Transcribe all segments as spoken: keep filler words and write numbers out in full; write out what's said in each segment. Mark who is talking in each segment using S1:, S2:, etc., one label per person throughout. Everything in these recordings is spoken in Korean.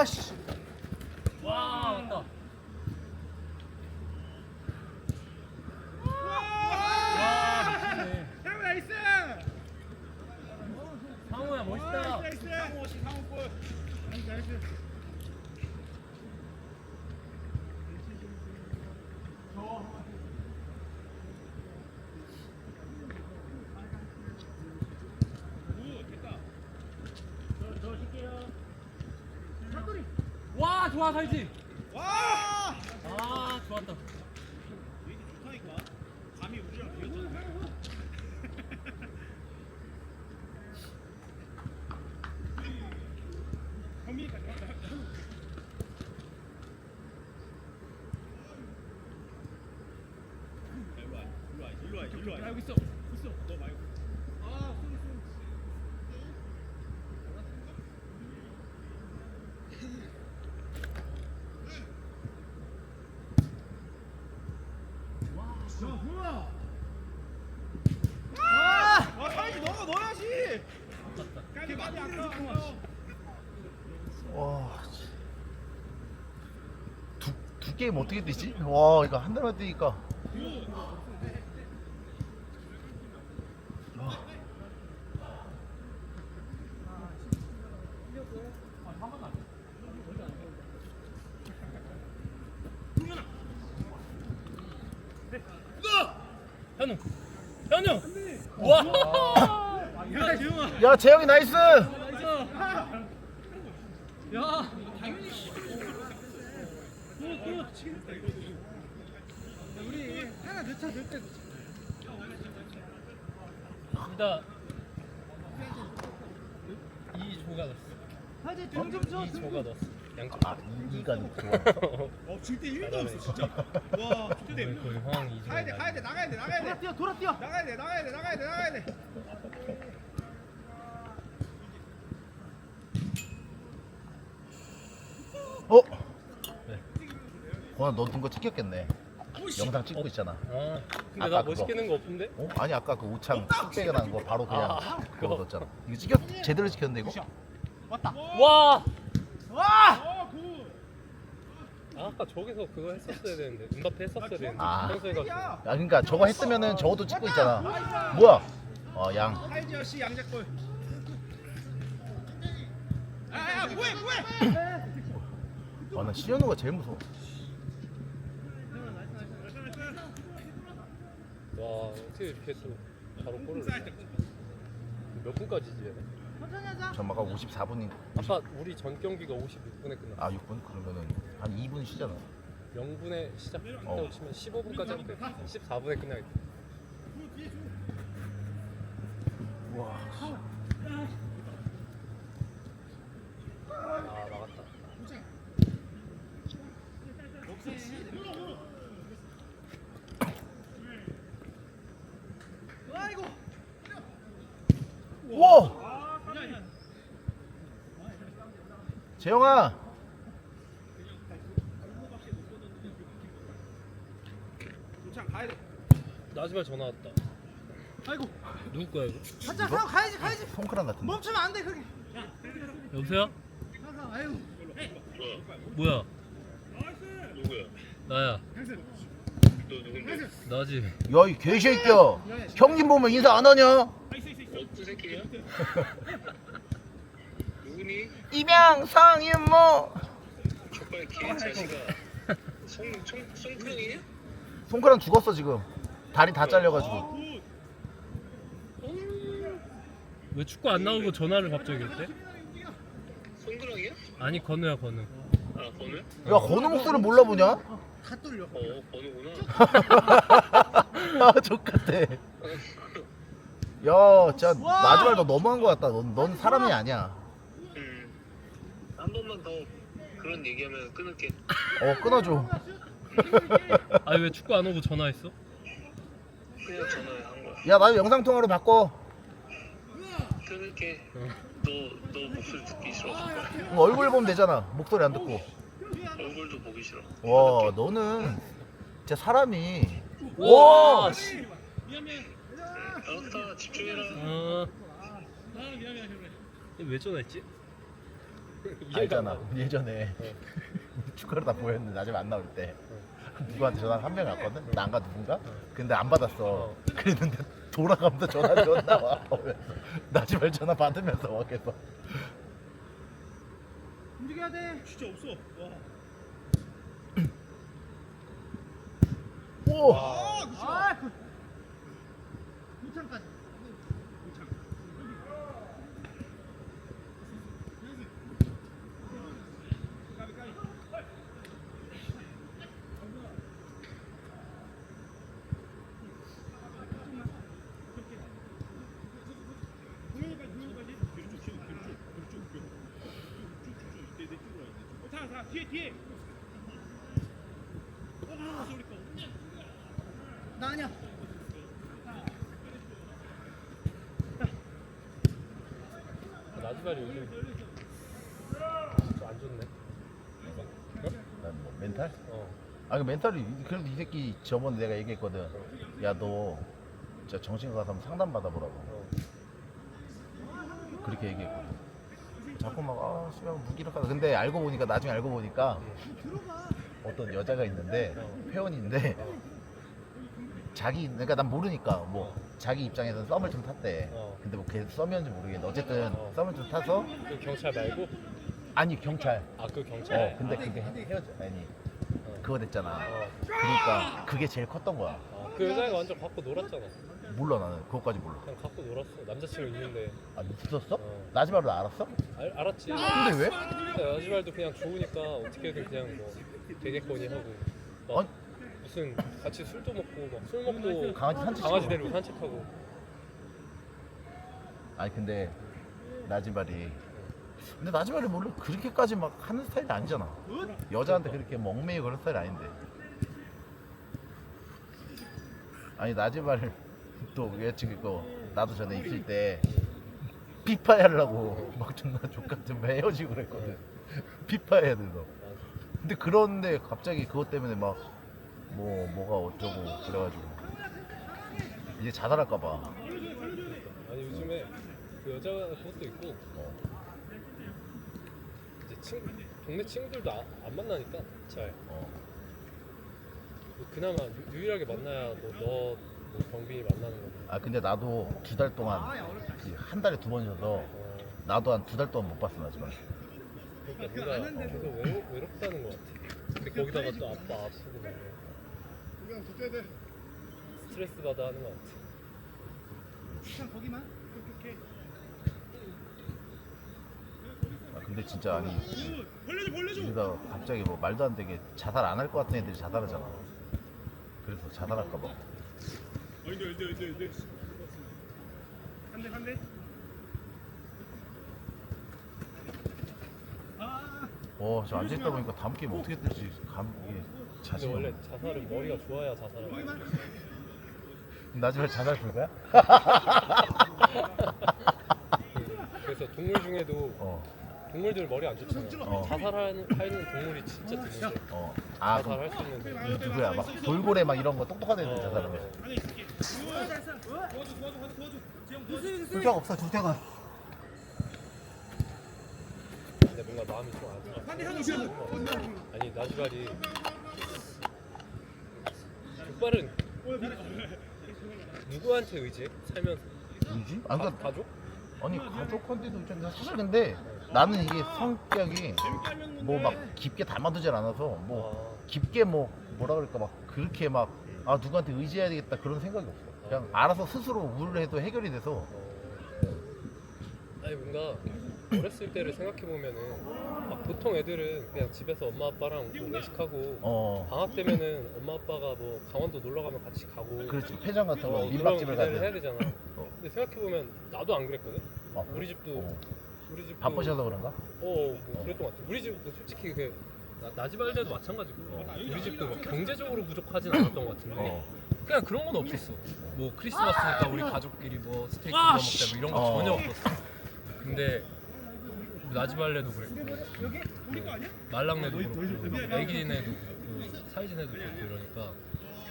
S1: 아씨.
S2: 와 맞다. 와 미치네.
S3: 상우 나이스.
S2: 상호야 멋있다.
S3: 나이스. 상우 씨 상우 골. 나이스 나이스.
S2: 와 좋아 살지.
S3: 와!
S2: 아 좋았다.
S3: 이게 좋다니까. 감이 우리랑 비슷하네. 형민이까지 왔다. 일로 와, 일로 와, 일로 와, 일로 와. 나 여기 있어, 있어. 너 말고. 아, 쏘리 쏘리. 야, 뭐야? 아! 아, 사이즈 너가 넣어야지. 이렇게 많이 안 넣어.
S1: 와. 두, 두 게임 어떻게 뛰지? 와 이거 한 달만 뛰니까.
S2: 현우. 현우. 와.
S3: 야, 재영아.
S1: 야 재영이 나이스.
S2: 야.
S3: 우리 하나 넣자, 넣을 때.
S2: 일단 이 조가 넣었어.
S3: 하지 점점 줘.
S2: 이 조가 넣었어. 양쪽.
S1: 아 이, 이가 좋아.
S3: 어, 질때 일도 없어, 진짜. 와, 좋대.
S2: 거의 거의 황 이 조가.
S3: 가야 돼, 가야 돼, 나가야 돼, 나가야 돼. 돌아 뛰어, 돌아 뛰어. 나가야 돼, 나가야 돼, 나가야 돼, 나가야 돼.
S1: 어? 고나 너 둔 거 찍혔겠네. 영상 찍고 있잖아.
S2: 아 근데
S1: 아까
S2: 나
S1: 그거.
S2: 멋있게 넣은 거 없는데?
S1: 어? 아니 아까 그 오창 뚝배가 난 거 바로 그냥
S2: 아,
S1: 그거
S2: 그거.
S1: 넣었잖아. 이거 찍혔 제대로 찍혔는데 이거?
S3: 왔다.
S2: 와.
S3: 와! 어, 굿.
S2: 아, 아까 저기서 그거 했었어야 되는데 음바페 했었어야 되는데
S1: 아.
S2: 평소에 가서
S1: 야 그러니까 저거 했으면은 저것도 찍고 있잖아. 뭐야? 어 양.
S3: 하이지어 씨 양재골. 아, 야, 뭐해, 뭐해?
S1: 아나 시현우가 제일 무서워.
S2: 와 어떻게 이렇게 또 바로 골을 넣냐. 몇 분까지지 얘네?
S1: 전마가 오십사 분이
S2: 아까 우리 전 경기가 오십육 분에 끝났어.
S1: 아 육 분? 그러면은 한 이 분 쉬잖아.
S2: 영 분에 시작한다고
S1: 어.
S2: 치면 십오 분까지 하면 돼. 십사 분에 끝나겠다.
S1: 와.
S2: 아 나갔다.
S3: 아이고.
S1: 와. 재영아.
S3: 도창 가야 돼.
S2: 나지말 전화 왔다.
S3: 아이고.
S2: 누구 거야 이거?
S3: 가자, 형 가야지, 가야지.
S1: 손크란 같은데.
S3: 멈추면 안 돼, 그게.
S2: 여보세요?
S3: 가자, 아유.
S2: 뭐야?
S4: 누구야?
S2: 나야.
S4: 너 누군데?
S2: 나지.
S1: 야 이 개새끼야. 형님 보면 인사 안 하냐?
S4: 어떤 새끼야? 누구니?
S1: 임양 상윤모.
S4: 족발 개자식아. 송, 송, 송크랑이냐?
S1: 손크란 죽었어 지금. 다리 다 잘려가지고.
S2: 왜 축구 안 나오고 전화를 갑자기 했대?
S4: 송크랑이야?
S2: 아니 건우야 건우.
S4: 아, 번호야?
S1: 야 건우 목소리 몰라보냐?
S3: 다 뚫려.
S4: 어, 번호구나.
S1: 아 족같아. 야 진짜 나지말 너 너무한 거 같다. 넌, 넌 사람이 아니야.
S4: 음. 한 번만 더 그런 얘기하면 끊을게.
S1: 어 끊어줘.
S2: 아니 왜 축구 안 오고 전화했어?
S4: 그냥 전화한 거야.
S1: 야 나 영상 통화로 바꿔.
S4: 끊을게.
S2: 어.
S4: 너, 너 목소리 듣기 싫어.
S1: 그럼 얼굴 보면 되잖아. 목소리 안 듣고.
S4: 얼굴도 보기 싫어.
S1: 와 너는 진짜 사람이.
S2: 와.
S1: 와.
S2: 씨.
S4: 알았다, 집중해라.
S2: 어. 왜 전화했지?
S1: 알잖아. 예전에 축구를 다 보였는데 나중에 안 나올 때 누구한테 전화 한 명 왔거든. 나인가 누군가? 근데 안 받았어. 그랬는데 돌아가면서 전화를 줬나 봐. 나지말 전화 받으면서 막 계속.
S3: 움직여야 돼. 진짜 없어. 와.
S1: 오!
S3: 아, 그. 무창까지. 무창. 까비 까비. 뒤에 뒤에. 아, 소리 꺼. 나 아니야.
S2: 나지발이 요즘 좀안 좋네.
S1: 난 뭐 멘탈?
S2: 어.
S1: 아, 그 멘탈이 그래도 이 새끼 저번에 내가 얘기했거든. 야, 너 진짜 정신과 가서 한번 상담 받아보라고.
S2: 어.
S1: 그렇게 얘기했거든. 자꾸 막 아, 씨발 무기력하다. 근데 알고 보니까 나중에 알고 보니까 어떤 여자가 있는데 회원인데 자기 그러니까 난 모르니까 뭐 자기 입장에서는 썸을 좀 탔대.
S2: 어.
S1: 근데 뭐 걔 썸이었는지 모르겠는데 어쨌든
S2: 어.
S1: 썸을 좀 타서
S2: 그 경찰 말고?
S1: 아니 경찰.
S2: 아 그 경찰.
S1: 어 근데 그게 헤- 헤어져 아니
S2: 어.
S1: 그거 됐잖아.
S2: 어.
S1: 그러니까 그게 제일 컸던 거야.
S2: 아, 그 여자가 완전 갖고 놀았잖아.
S1: 몰라 나는 그것까지 몰라.
S2: 그냥 갖고 놀았어. 남자친구 있는데.
S1: 아 있었어?
S2: 어.
S1: 나지마루 알았어?
S2: 알, 알았지.
S1: 근데 왜?
S2: 근데 나지발도 그냥 좋으니까 어떻게든 그냥 뭐 되겠거니 하고. 막
S1: 아니.
S2: 무슨 같이 술도 먹고 막 술 먹고
S1: 강아지 산책
S2: 강아지
S1: 시키고.
S2: 데리고 산책하고.
S1: 아니 근데 나지발이 근데 나지발이 원래 그렇게까지 막 하는 스타일이 아니잖아. 여자한테 그렇게 멍매이고 그런 스타일이 아닌데. 아니 나지발 또 여자친구 있고 나도 전에 있을 때 피파 하려고 막 존나 족같은 헤어지고 그랬거든. 피파 해야 돼서. 근데 그런데 갑자기 그것 때문에 막 뭐 뭐가 어쩌고 그래가지고 이제 자살할까봐.
S2: 아니 요즘에 그 여자가 그것도 있고
S1: 어.
S2: 이제 친 동네 친구들도 아, 안 만나니까 잘.
S1: 어.
S2: 뭐 그나마 유, 유일하게 만나야 뭐 너, 뭐 경빈이 만나는 거.
S1: 아 근데 나도 두 달 동안 그한 달에 두 번 쉬어서
S2: 어,
S1: 나도 한 두 달 동안 못 봤어 나지만.
S2: 그러니까 뭔가 계속 외로, 외롭다는 것 같아. 근데 거기다가 또 아빠 아프고 막
S3: 그냥 붙여야 돼.
S2: 스트레스 받아 하는 것 같아.
S3: 그냥 거기만. 오케이 오케이.
S1: 아 근데 진짜 아니
S3: 벌려줘 벌려줘.
S1: 여기다가 갑자기 뭐 말도 안 되게 자살 안 할 것 같은 애들이 자살하잖아. 그래서 자살할까봐.
S3: 안돼 안돼 안돼 안돼. 한대 한대. 아.
S1: 어, 저 앉아있다 보니까 다음 게임 어떻게 될지 감 이게
S2: 근데
S1: 자신이
S2: 원래
S1: 없네.
S2: 자살은 머리가 좋아야 자살하는 거야.
S1: 나지말 자살 불가야?
S2: 그래서 동물 중에도
S1: 어,
S2: 동물들 머리 안 좋잖아.
S1: 어.
S2: 자살하는 하는 동물이 진짜 드문데.
S1: 어. 아, 그럼
S2: 자살할 수 있는데.
S1: 누- 누구야? 막 돌고래 막 이런 거 똑똑한 애들
S2: 어,
S1: 자살하면.
S3: 안에 있을게. 도와줘 도와줘 도와줘 도와줘. 재영 도와줘.
S1: 둘째가 없어, 둘째가.
S2: 근데 뭔가 마음이 좀 안 좋아.
S3: 한대 하나 줘.
S2: 아니 나지발이 족발은 누구한테 의지해? 살면서
S1: 뭐지?
S2: 가,
S1: 아, 그러니까
S2: 가족?
S1: 아니 가족한테도 있잖아. 사실 근데 나는 이게 성격이 뭐 막 깊게 담아두질 않아서 뭐
S2: 아,
S1: 깊게 뭐 뭐라 그럴까 막 그렇게 막 아 누구한테 의지해야 되겠다 그런 생각이 없어. 그냥 알아서 스스로 우를 해도 해결이 돼서.
S2: 어. 아니 뭔가 어렸을 때를 생각해 보면은 막 보통 애들은 그냥 집에서 엄마 아빠랑 뭐 외식하고
S1: 어
S2: 방학 되면은 엄마 아빠가 뭐 강원도 놀러 가면 같이 가고
S1: 그렇지 폐장 같은
S2: 어,
S1: 거
S2: 그런
S1: 민박집을
S2: 기대를 해야
S1: 가든
S2: 되잖아.
S1: 어.
S2: 근데 생각해 보면 나도 안 그랬거든.
S1: 어,
S2: 우리 집도
S1: 어.
S2: 우리 집도
S1: 바쁘셔서 그런가?
S2: 어, 뭐 그랬던 것 같아. 우리 집도 솔직히 그 나, 나지발 때도 마찬가지고 우리 집도 막 경제적으로 부족하진 않았던 것 같은데
S1: 어.
S2: 그냥 그런 건 없었어. 뭐 크리스마스니까 우리 가족끼리 뭐 스테이크 구워 먹자 뭐 이런 거
S1: 어.
S2: 전혀 없었어. 근데 나지발레도 그랬고 말랑내도 그렇고 애기네도 그렇고 사이즈네도 그렇고 이러니까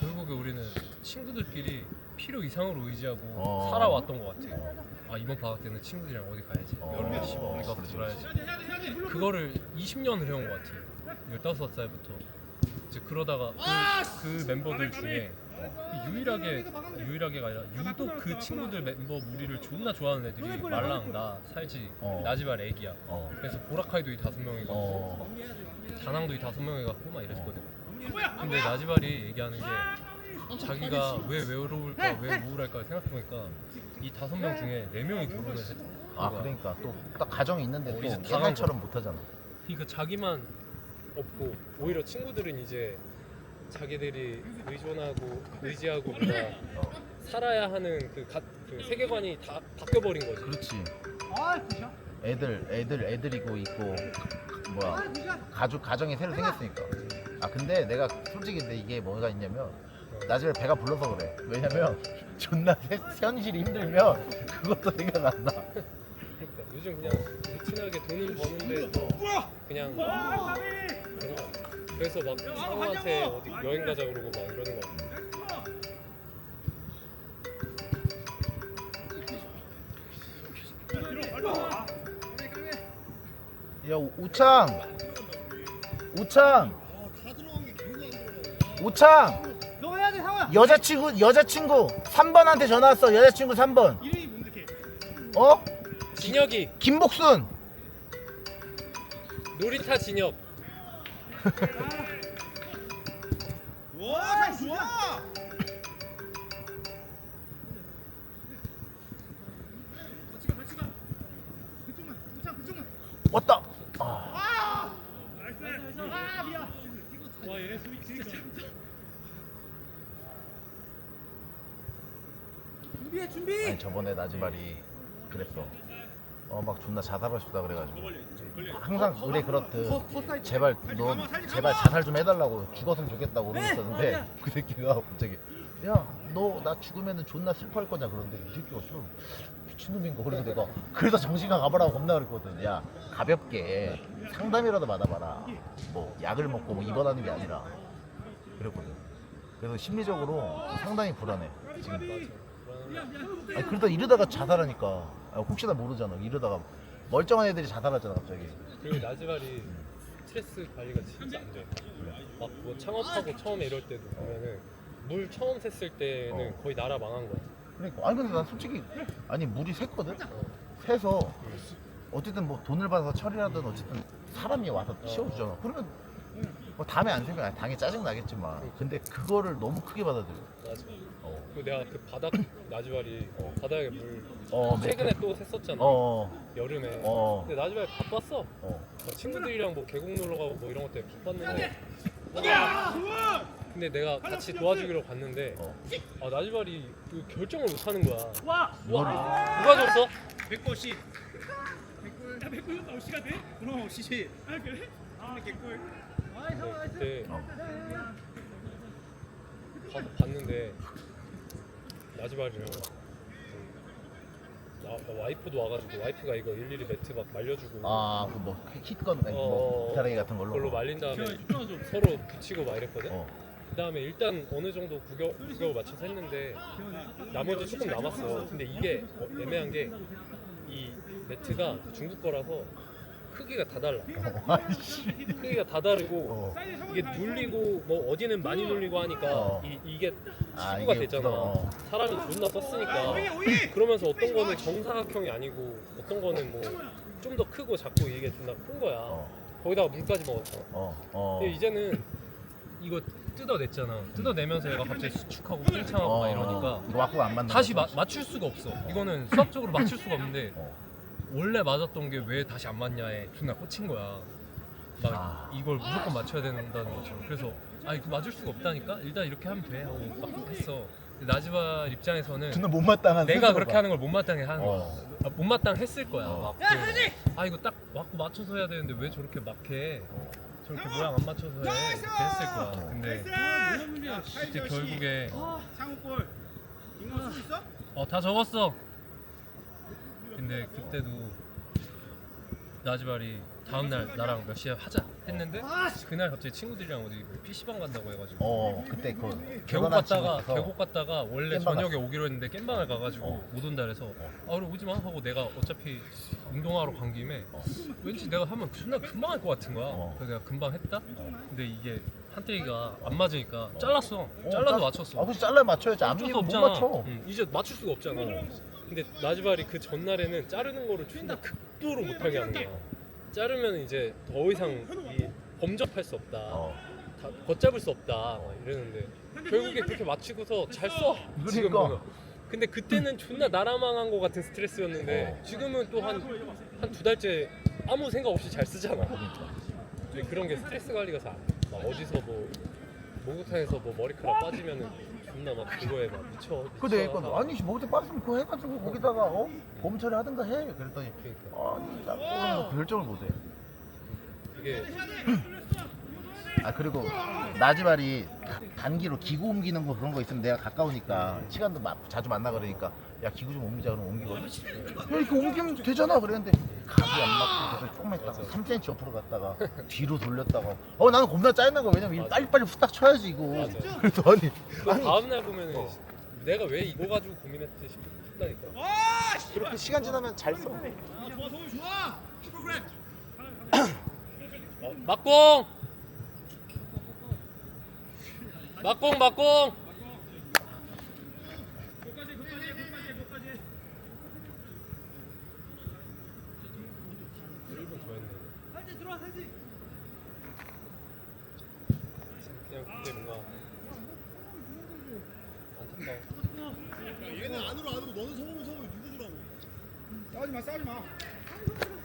S2: 결국에 우리는 친구들끼리 필요 이상으로 의지하고
S1: 어.
S2: 살아왔던 것 같아. 아 이번 방학 때는 친구들이랑 어디 가야지.
S1: 어.
S2: 여름에 씨발 어디 가서
S1: 그렇지,
S2: 놀아야지. 그거를 이십 년을 해온 것 같아. 열다섯 살부터. 이제 그러다가 그, 그 멤버들 중에 유일하게 유일하게가 아니라 유독 그 친구들 멤버 무리를 존나 좋아하는 애들이 말랑, 나, 살지,
S1: 어.
S2: 나지발, 애기야.
S1: 어.
S2: 그래서 보라카이도 이 다섯 명이고
S1: 어.
S2: 다낭도 이 다섯 명이갖고 막 이랬거든. 근데 나지발이 얘기하는 게 자기가 왜 외로울까, 왜 우울할까 생각해보니까 이 다섯 명 중에 네 명이 결혼을 했다.
S1: 아 그러니까 또 딱 가정이 있는데
S2: 어,
S1: 또
S2: 이제 다
S1: 옛날처럼 못하잖아.
S2: 그러니까 자기만 없고 오히려 친구들은 이제 자기들이 의존하고 의지하고 뭔가 살아야 하는 그, 가, 그 세계관이 다 바뀌어버린 거지.
S1: 그렇지. 애들 애들 애들이고 있고 뭐야 가족 가정이 새로 생겼으니까. 아 근데 내가 솔직히 근데 이게 뭐가 있냐면 나중에 배가 불러서 그래. 왜냐면 존나 세- 현실이 힘들면 그것도 생각 안 나.
S2: 그러니까 요즘 그냥 루틴하게 돈을 버는데 또 그냥 그런 거 같아. 그래서 막 상호한테 어디 여행 가자 그러고 막 이러는 거 같아.
S1: 야 우- 우창 우창 우창
S3: 너 해야 돼 상호야.
S1: 여자친구 여자친구 삼 번한테 전화 왔어. 여자친구 삼 번.
S3: 이름이 뭔데 걔?
S1: 어?
S2: 진혁이
S1: 김복순.
S2: 놀이타 진혁.
S3: 와, 상 좋아. 같이 가, 같이 가. 그쪽만, 우창 그쪽만.
S1: 왔다. 아.
S3: 나이스. 아, 미안. 와, 얘네 수비 진짜 잘한다. 준비해, 준비.
S1: 아니 저번에 나지발이 그랬어. 어 막 존나 자살하고 싶다 그래가지고 항상 우리 그렇듯 제발 너 제발 자살 좀 해달라고 죽었으면 좋겠다고 그러고 있었는데 그 새끼가 갑자기 야 너 나 죽으면은 존나 슬퍼할 거냐 그러는데 이 새끼가 좀 미친놈인가. 그래서 내가 그래서 정신과 가보라고 겁나 그랬거든. 야 가볍게 상담이라도 받아봐라. 뭐 약을 먹고 뭐 입원하는 게 아니라 그랬거든. 그래서 심리적으로 상당히 불안해 지금. 아니 그러다 이러다가 자살하니까 아, 혹시나 모르잖아. 이러다가 멀쩡한 애들이 자살하잖아 갑자기.
S2: 그리고 나지발이 스트레스 관리가 진짜 안 돼. 막 뭐 창업하고 처음에 이럴 때도 보면은 물 처음 샜을 때는
S1: 어.
S2: 거의 나라 망한 거야.
S1: 그러니까 아니 근데 난 솔직히 아니 물이 샜거든.
S2: 어.
S1: 새서 어쨌든 뭐 돈을 받아서 처리하든 어쨌든 사람이 와서 치워주잖아. 그러면 뭐 다음에 안 생겨. 당연히 짜증 나겠지만 근데 그거를 너무 크게 받아들여.
S2: 맞아.
S1: 어.
S2: 그리고 내가 그 바닥 나지발이 어, 바닥에 물
S1: 어,
S2: 최근에 또 샜었잖아.
S1: 어.
S2: 여름에.
S1: 어.
S2: 근데 나지발 바빴어.
S1: 어.
S2: 막 친구들이랑 뭐 계곡 놀러 가고 뭐 이런 것 때문에 바빴는데. 근데 내가 같이 도와주기로 갔는데
S1: 어.
S2: 아 나지발이 그 결정을 못 하는 거야.
S3: 와.
S2: 와, 누가 줬어?
S3: 백골 씨. 백골. 야, 백골 나올 시간 돼? 그럼 시시. 아, 그래? 아, 개꿀.
S2: 근데 그때
S1: 어.
S2: 가서 봤는데 나지발이랑 나, 나 와이프도 와가지고 와이프가 이거 일일이 매트 막 말려주고
S1: 아그뭐 킷건 아니
S2: 어,
S1: 뭐
S2: 어,
S1: 기타라기 같은 걸로.
S2: 그걸로 말린 다음에
S3: 집중하 좀.
S2: 서로 붙이고 막 이랬거든.
S1: 어.
S2: 그 다음에 일단 어느 정도 구겨, 구겨을 맞춰서 했는데 나머지 조금 남았어. 근데 이게 어, 애매한 게 이 매트가 중국 거라서 크기가 다 달라.
S1: 아이씨.
S2: 크기가 다 다르고
S1: 어.
S2: 이게 눌리고 뭐 어디는 많이 눌리고 하니까
S1: 어.
S2: 이, 이게
S1: 아,
S2: 치부가
S1: 이게
S2: 되잖아.
S1: 어.
S2: 사람이 존나 썼으니까. 그러면서 어떤 거는 정사각형이 아니고 어떤 거는 뭐 좀 더 크고 작고 이게 존나 큰 거야.
S1: 어.
S2: 거기다가 물까지 먹었어.
S1: 어. 어.
S2: 근데 이제는 이거 뜯어냈잖아. 뜯어내면서 얘가 갑자기 수축하고 팽창하고 막 이러니까
S1: 이거 맞고 안 맞는
S2: 다시 마,
S1: 거지.
S2: 맞출 수가 없어. 이거는 수학적으로 맞출 수가 없는데
S1: 어.
S2: 원래 맞았던 게 왜 다시 안 맞냐에 존나 꽂힌 거야. 막
S1: 아.
S2: 이걸 무조건 맞춰야 된다는 거죠. 그래서 아 이거 맞을 수가 없다니까 일단 이렇게 하면 돼 하고 막 했어. 근데 나지발 입장에서는
S1: 존나 못마땅한
S2: 내가
S1: 스스로가.
S2: 그렇게 하는 걸 못마땅해 하는 거야.
S1: 어.
S2: 아, 못마땅 했을 거야.
S1: 어.
S2: 막 그, 아 이거 딱 맞고 맞춰서 해야 되는데 왜 저렇게 막해? 저렇게 모양 안 맞춰서 해 이렇게 했을 거야. 근데
S3: 무슨 문제야?
S2: 그때 결국에
S3: 창호골. 이거 쓸수 있어?
S2: 어 다 적었어. 근데 그때도 나지발이 다음 날 나랑 몇 시에 하자 했는데 그날 갑자기 친구들이랑 어디 뭐 피시방 간다고 해가지고
S1: 어 그때 그
S2: 계곡
S1: 결혼한
S2: 갔다가
S1: 친구라서
S2: 계곡 갔다가 원래
S1: 깸방
S2: 저녁에 오기로 했는데 깸방을 가가지고
S1: 어.
S2: 못 온다 그래서 아 그래 오지 마 하고 내가 어차피 운동하러 간 김에 왠지 내가 하면 존나 금방 할 것 같은 거야.
S1: 어.
S2: 그래서 내가 금방 했다. 근데 이게 한태기가 안 맞으니까 잘랐어.
S1: 어,
S2: 잘라서
S1: 짜-
S2: 맞췄어.
S1: 아 그치 잘라 맞춰야지
S2: 어쩔 수
S1: 앞니는 못
S2: 없잖아.
S1: 맞춰.
S2: 응, 이제 맞출 수가 없잖아. 근데 나지발이 그 전날에는 자르는 거를 존나 극도로 못하게 하는 거야. 자르면 이제 더 이상 이 범접할 수 없다.
S1: 어.
S2: 다 걷잡을 수 없다. 막 이러는데 결국에 그렇게 맞추고서 잘 써. 지금
S1: 그러니까.
S2: 보면. 근데 그때는 존나 나라망한 거 같은 스트레스였는데
S1: 어.
S2: 지금은 또 한 한 두 달째 아무 생각 없이 잘 쓰잖아. 근데 그런 게 스트레스 관리가 잘 안 돼. 막 어디서 뭐 목욕탕에서 뭐 머리카락 빠지면은 존나 막 그거에 막 미쳐.
S1: 근데
S2: 미쳐
S1: 그러니까 아니 뭐지 빠졌으면 그거 해가지고 거기다가 어 검찰을 하든가 해. 그랬더니
S2: 그러니까
S1: 아니 나 그거는 뭐 결정을 못해.
S2: 이게
S1: 아 그리고 나지발이 단기로 기구 옮기는 거 그런 거 있으면 내가 가까우니까 시간도 마, 자주 만나 그러니까 야 기구 좀 옮기자 그러면 옮기거든. 야 이렇게 옮기면 되잖아 그랬는데 각이 안 맞고 그래서 조금 했다가
S2: 맞아.
S1: 삼 센티미터 옆으로 갔다가 뒤로 돌렸다가 어 나는 겁나 짜증난 거야. 왜냐면 이거
S2: 맞아.
S1: 빨리빨리 후딱 쳐야지 이거.
S2: 맞아.
S1: 그래서 아니
S2: 그
S1: 아니
S2: 다음 날 보면은 내가 왜 이거 가지고 고민했지 싶다니까.
S1: 그렇게 시간 지나면 잘 써.
S3: 좋아 소울 좋아 슈퍼그램
S2: 어, 막공! 막공 막공!
S3: 거기까지 거기까지 거기까지 거기까지
S2: 일 분 더 했네.
S3: 살지 들어와 살지
S2: 그냥 그게 뭔가 안타까워.
S5: 얘는 안으로 안으로 너는 서울 서울 누구 주라고?
S3: 싸우지 마 싸우지 마